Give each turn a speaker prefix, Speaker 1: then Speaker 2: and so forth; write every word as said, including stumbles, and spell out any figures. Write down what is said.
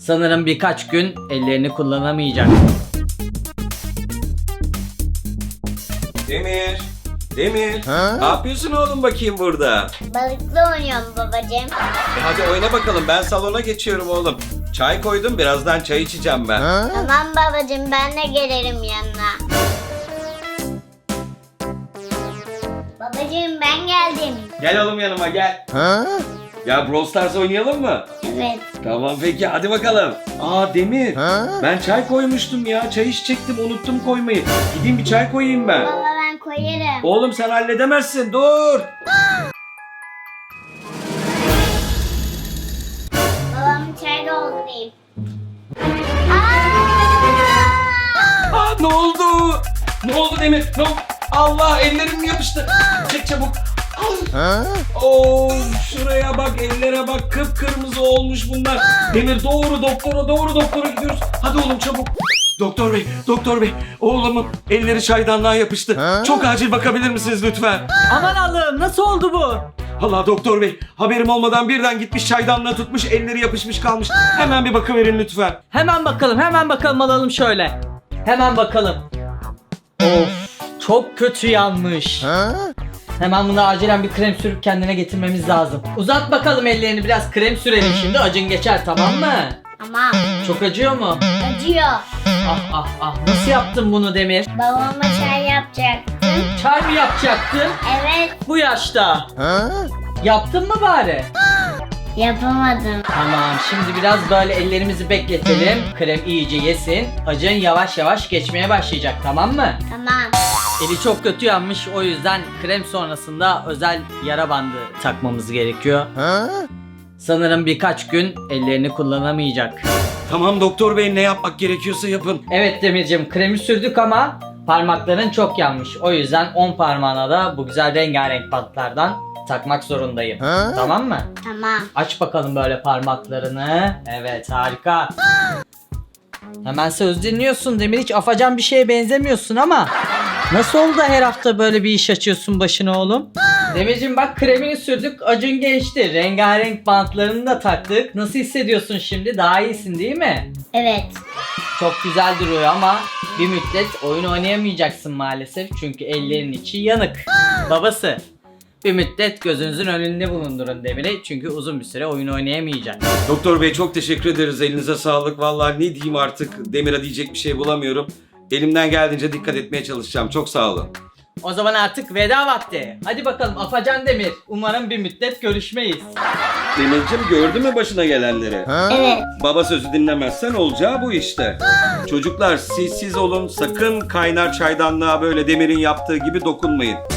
Speaker 1: Sanırım birkaç gün ellerini kullanamayacak.
Speaker 2: Demir, Demir. Ne yapıyorsun oğlum bakayım burada?
Speaker 3: Balıkla oynuyorum babacığım.
Speaker 2: E hadi oyna bakalım, ben salona geçiyorum oğlum. Çay koydum, birazdan çay içeceğim ben.
Speaker 3: Tamam babacığım, ben de gelirim yanına. Babacığım ben geldim.
Speaker 2: Gel oğlum yanıma gel. Ya Brawl Stars oynayalım mı?
Speaker 3: Evet.
Speaker 2: Tamam peki, hadi bakalım. Aa Demir, ben çay koymuştum ya. Çay içecektim, unuttum koymayı. Gideyim bir çay koyayım ben.
Speaker 3: Baba ben koyarım.
Speaker 2: Oğlum sen halledemezsin, dur.
Speaker 3: Babam çay doldurayım.
Speaker 2: Aa ne oldu? Ne oldu Demir? Ne oldu? Allah, ellerim yapıştı. Çek çabuk. Oo, şuraya bak, ellere bak, kıpkırmızı olmuş bunlar. Demir doğru doktora, doğru doktora gidiyoruz. Hadi oğlum çabuk. Doktor bey, doktor bey, oğlumun elleri çaydanlığa yapıştı. Çok acil bakabilir misiniz lütfen?
Speaker 1: Aman Allah'ım, nasıl oldu bu?
Speaker 2: Allah doktor bey, haberim olmadan birden gitmiş çaydanlığa tutmuş, elleri yapışmış kalmış. Hemen bir bakıverin lütfen.
Speaker 1: Hemen bakalım, hemen bakalım, alalım şöyle. Hemen bakalım. Of, çok kötü yanmış. Hemen buna acilen bir krem sürüp kendine getirmemiz lazım. Uzat bakalım ellerini, biraz krem sürelim şimdi, acın geçer, tamam mı?
Speaker 3: Tamam.
Speaker 1: Çok acıyor mu?
Speaker 3: Acıyor.
Speaker 1: Ah ah ah, nasıl yaptın bunu Demir?
Speaker 3: Babama çay yapacaktım.
Speaker 1: Çay mı yapacaktın
Speaker 3: Evet.
Speaker 1: bu yaşta? Yaptın mı bari?
Speaker 3: Yapamadım.
Speaker 1: Tamam, şimdi biraz böyle ellerimizi bekletelim. Krem iyice yesin. Acın yavaş yavaş geçmeye başlayacak, tamam mı?
Speaker 3: Tamam.
Speaker 1: Eli çok kötü yanmış, o yüzden krem sonrasında özel yara bandı takmamız gerekiyor. Sanırım birkaç gün ellerini kullanamayacak.
Speaker 2: Tamam doktor bey, ne yapmak gerekiyorsa yapın.
Speaker 1: Evet Demircim, kremi sürdük ama parmakların çok yanmış. O yüzden on parmağına da bu güzel rengarenk bantlardan takmak zorundayım. Tamam mı?
Speaker 3: Tamam.
Speaker 1: Aç bakalım böyle parmaklarını. Evet, harika. Hemen söz dinliyorsun Demir, hiç afacan bir şeye benzemiyorsun ama nasıl oldu da her hafta böyle bir iş açıyorsun başına oğlum? Demircim bak, kremini sürdük, acın geçti. Rengarenk bantlarını da taktık. Nasıl hissediyorsun şimdi? Daha iyisin değil mi?
Speaker 3: Evet.
Speaker 1: Çok güzel duruyor ama bir müddet oyun oynayamayacaksın maalesef. Çünkü ellerin içi yanık. Babası, bir müddet gözünüzün önünde bulundurun Demir'i. Çünkü uzun bir süre oyun oynayamayacak.
Speaker 2: Doktor bey çok teşekkür ederiz, elinize sağlık. Vallahi ne diyeyim artık, Demir'e diyecek bir şey bulamıyorum. Elimden geldiğince dikkat etmeye çalışacağım, çok sağ olun.
Speaker 1: O zaman artık veda vakti. Hadi bakalım Afacan Demir. Umarım bir müddet görüşmeyiz.
Speaker 2: Demircim, gördün mü başına gelenleri?
Speaker 3: Evet.
Speaker 2: Baba sözü dinlemezsen olacağı bu işte. Çocuklar siz siz olun, sakın kaynar çaydanlığa böyle Demir'in yaptığı gibi dokunmayın.